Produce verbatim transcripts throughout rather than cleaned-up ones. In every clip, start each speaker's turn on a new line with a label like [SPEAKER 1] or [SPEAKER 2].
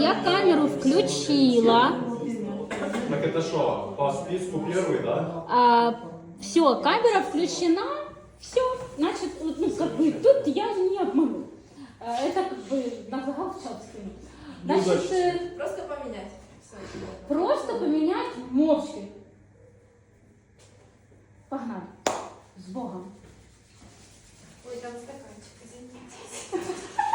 [SPEAKER 1] я камеру включила.
[SPEAKER 2] Так это что, по списку первый, да?
[SPEAKER 1] А, все, камера включена. Все, значит, вот, ну, как бы, тут я не обману. А, это как бы на загал в чат скину. Значит, э,
[SPEAKER 3] Просто поменять. Всё.
[SPEAKER 1] просто поменять мовчки. Погнали. С Богом.
[SPEAKER 3] Ой, там стаканчик, извините.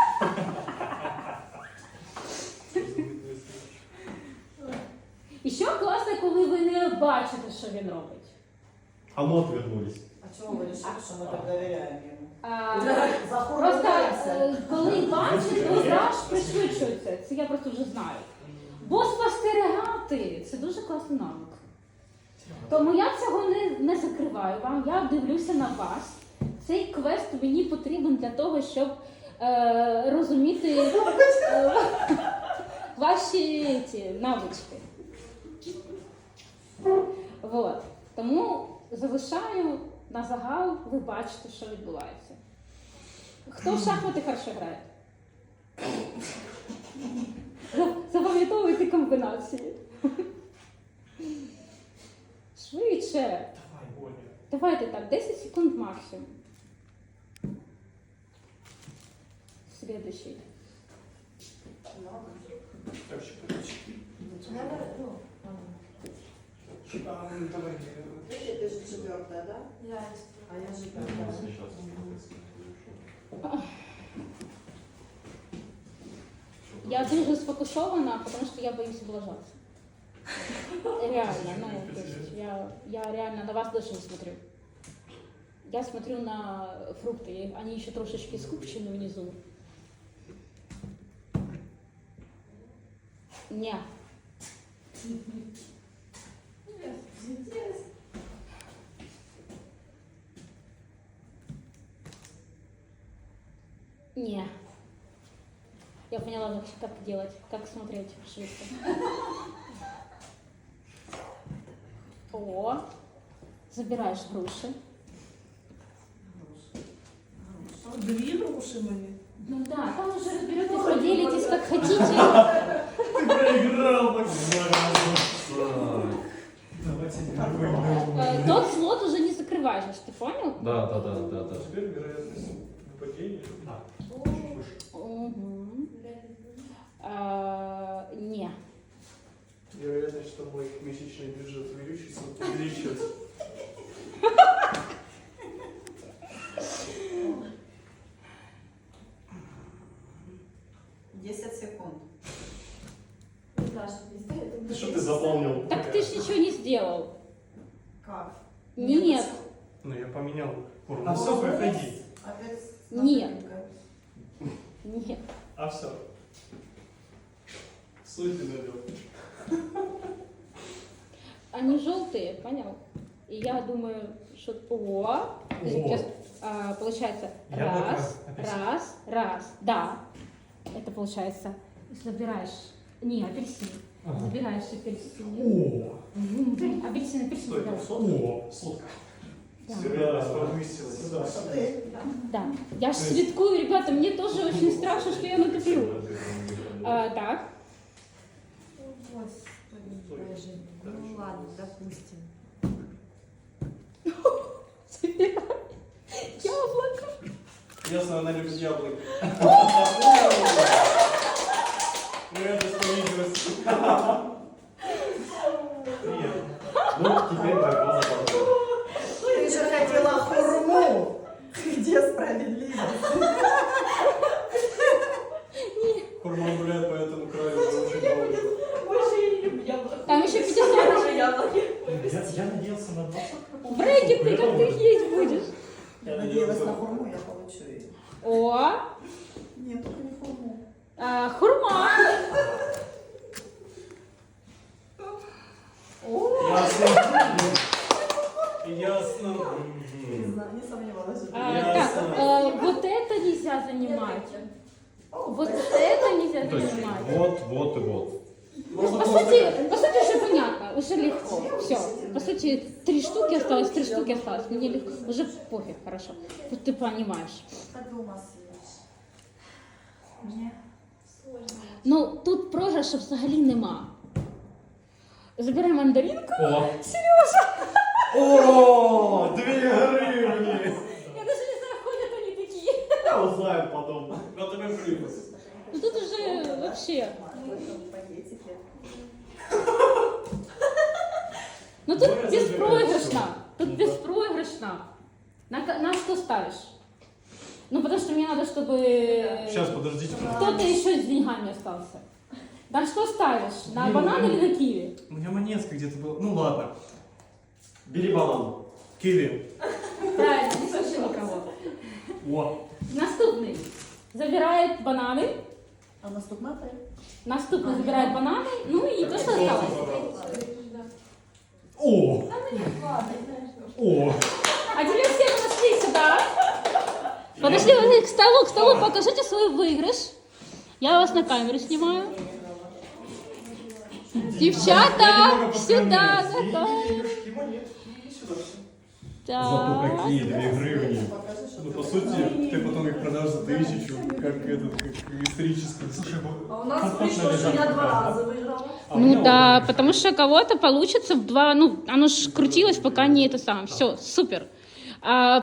[SPEAKER 1] І що класно, коли ви не бачите, що він робить.
[SPEAKER 2] А мы отвернулись.
[SPEAKER 4] А чего вы решили, что мы так доверяем ему?
[SPEAKER 1] А,
[SPEAKER 4] За хуй
[SPEAKER 1] просто
[SPEAKER 4] боремся.
[SPEAKER 1] е, коли бачить, то аж пришвидшується. Це я просто вже знаю. Бо спостерігати це дуже класний навик. Тому я цього не, не закриваю вам, я дивлюся на вас. Цей квест мені потрібен для того, щоб е, розуміти е, ваші ці, навички. Вот. Тому залишаю на загал, ви бачите, що відбувається. Хто в шахмати хорошо грає? За- Запам'ятовуйте комбінації. Швидше.
[SPEAKER 2] Давай, Оля.
[SPEAKER 1] Давайте так, десять секунд максимум. Следующий.
[SPEAKER 2] Так, щекоточки.
[SPEAKER 3] Надо, ну,
[SPEAKER 2] А, ну, давай.
[SPEAKER 4] Ты, ты же четвертая, да?
[SPEAKER 3] я
[SPEAKER 4] А я же пятая.
[SPEAKER 1] Я дуже сфокусована, потому что я боюсь облажаться. Реально, ну, то есть я, я реально на вас даже не смотрю. Я смотрю на фрукты, они еще трошечки скупчены внизу. Не. Не. Я поняла, как, как делать, как смотреть шрифты. О, забираешь груши.
[SPEAKER 4] Две груши мои.
[SPEAKER 1] Ну да, там уже разберетесь, поделитесь как хотите.
[SPEAKER 2] Ты проиграл, Максим. Давайте
[SPEAKER 1] Э, Тот слот уже не закрываешь, ты понял?
[SPEAKER 2] Да, да, да, да, да. Теперь вероятность нападения. Да. Чуть выше.
[SPEAKER 1] Угу. А, не.
[SPEAKER 2] Вероятность, что мой месячный бюджет увеличится, увеличится.
[SPEAKER 4] Десять секунд.
[SPEAKER 3] Даша, не стоит.
[SPEAKER 2] Ты что ты запомнил?
[SPEAKER 1] Так ты ж ничего не сделал.
[SPEAKER 4] Как?
[SPEAKER 1] Нет.
[SPEAKER 2] Ну я поменял форму. А все, проходи.
[SPEAKER 4] Опять с
[SPEAKER 1] Нет.
[SPEAKER 4] напарником.
[SPEAKER 1] Нет.
[SPEAKER 2] А все. Соль ты налил.
[SPEAKER 1] Они желтые, понял? И я думаю, что... О, сейчас, а, получается,
[SPEAKER 2] Яблоко,
[SPEAKER 1] раз,
[SPEAKER 2] апельсин.
[SPEAKER 1] раз, раз. Да. Это получается, забираешь... Не, апельсин.
[SPEAKER 2] Ага.
[SPEAKER 1] Забираешь апельсин.
[SPEAKER 2] О,
[SPEAKER 1] М, Апельсин, апельсин.
[SPEAKER 2] стой,
[SPEAKER 1] забираешь.
[SPEAKER 2] о, сладко.
[SPEAKER 1] Да.
[SPEAKER 2] Вероятность повысилась. Сюда.
[SPEAKER 4] Ты?
[SPEAKER 1] Да. Я ж слідкую, ребята, мне тоже очень страшно, что я натоплю. А, так.
[SPEAKER 3] Господи, боже. Ну ладно, допустим.
[SPEAKER 1] Забирай. Яблоко.
[SPEAKER 2] Ясно, она любит яблоки. Вероятность повысилась. Нет. Ну, теперь борьба за победу.
[SPEAKER 4] Ты же хотела хурму. Где справедливость?
[SPEAKER 2] Хурма гуляет по этому краю уже очень долго.
[SPEAKER 3] Больше я не люблю яблоко.
[SPEAKER 1] Там еще пятьдесят.
[SPEAKER 3] Больше яблоки.
[SPEAKER 2] Я, я надеялся на двадцать.
[SPEAKER 1] Брейки, ты как ты есть будешь?
[SPEAKER 4] Я надеялась на хурму, я получу ее.
[SPEAKER 1] О,
[SPEAKER 4] Нет, только не хурму.
[SPEAKER 1] а, хурма.
[SPEAKER 2] Ясно. Ясно.
[SPEAKER 4] Не знаю, не сомневалась.
[SPEAKER 1] А,
[SPEAKER 2] Ясно.
[SPEAKER 1] так, а, вот это нельзя занимать. Вот это нельзя занимать.
[SPEAKER 2] Вот, вот и вот.
[SPEAKER 1] По сути, по сути уже понятно, уже легко. Все. По сути, три штуки осталось, три штуки осталось. Мне легко. Уже пофиг, хорошо. Тут ты понимаешь.
[SPEAKER 4] Подумал, съешь. Мне
[SPEAKER 3] Сложно.
[SPEAKER 1] Ну, тут програшу взагалі нема. Забирай мандаринку.
[SPEAKER 5] О! Сережа! О! Две гривни!
[SPEAKER 1] Я даже не знаю, ходят они такие.
[SPEAKER 5] Я узнаю потом. На тебе припис.
[SPEAKER 1] Ну тут уже вообще.
[SPEAKER 4] Пакетики.
[SPEAKER 1] Ну тут
[SPEAKER 5] Давай
[SPEAKER 1] беспроигрышно.
[SPEAKER 5] забираем
[SPEAKER 1] Тут
[SPEAKER 5] всё. Ну да.
[SPEAKER 1] беспроигрышно. На, ка- на что ставишь? Ну потому что мне надо, чтобы
[SPEAKER 5] Сейчас, подождите.
[SPEAKER 1] кто-то еще с деньгами остался. На что ставишь? На банан или на киви?
[SPEAKER 5] У меня монетка где-то была. Ну ладно.
[SPEAKER 2] Бери банан.
[SPEAKER 5] Киви.
[SPEAKER 1] Правильно, не слышу никого.
[SPEAKER 5] О!
[SPEAKER 1] Наступный забирает бананы.
[SPEAKER 4] А наступна ты?
[SPEAKER 1] Наступный забирает бананы. Ну и то, что осталось.
[SPEAKER 5] О! О!
[SPEAKER 1] А теперь все подошли сюда. Подошли вы к столу, к столу, покажите свой выигрыш. Я вас на камеру снимаю. Девчата, сюда, готовы.
[SPEAKER 2] Денежки, монетки, и сюда все.
[SPEAKER 5] Зато
[SPEAKER 1] Так.
[SPEAKER 5] какие две гривни.
[SPEAKER 4] Покажи, что
[SPEAKER 5] Ну,
[SPEAKER 4] ты
[SPEAKER 5] по сути,
[SPEAKER 4] знаешь.
[SPEAKER 5] ты потом их продашь за тысячу, как этот, как исторический. Слушай,
[SPEAKER 3] А у нас
[SPEAKER 5] комфортно
[SPEAKER 3] вышло, что
[SPEAKER 5] лежать
[SPEAKER 3] я два
[SPEAKER 5] пока.
[SPEAKER 3] раза выиграла.
[SPEAKER 5] А у меня
[SPEAKER 1] Ну да,
[SPEAKER 5] опыт.
[SPEAKER 1] потому что кого-то получится в два, ну, оно ж крутилось, пока не это самое. Все, супер. А,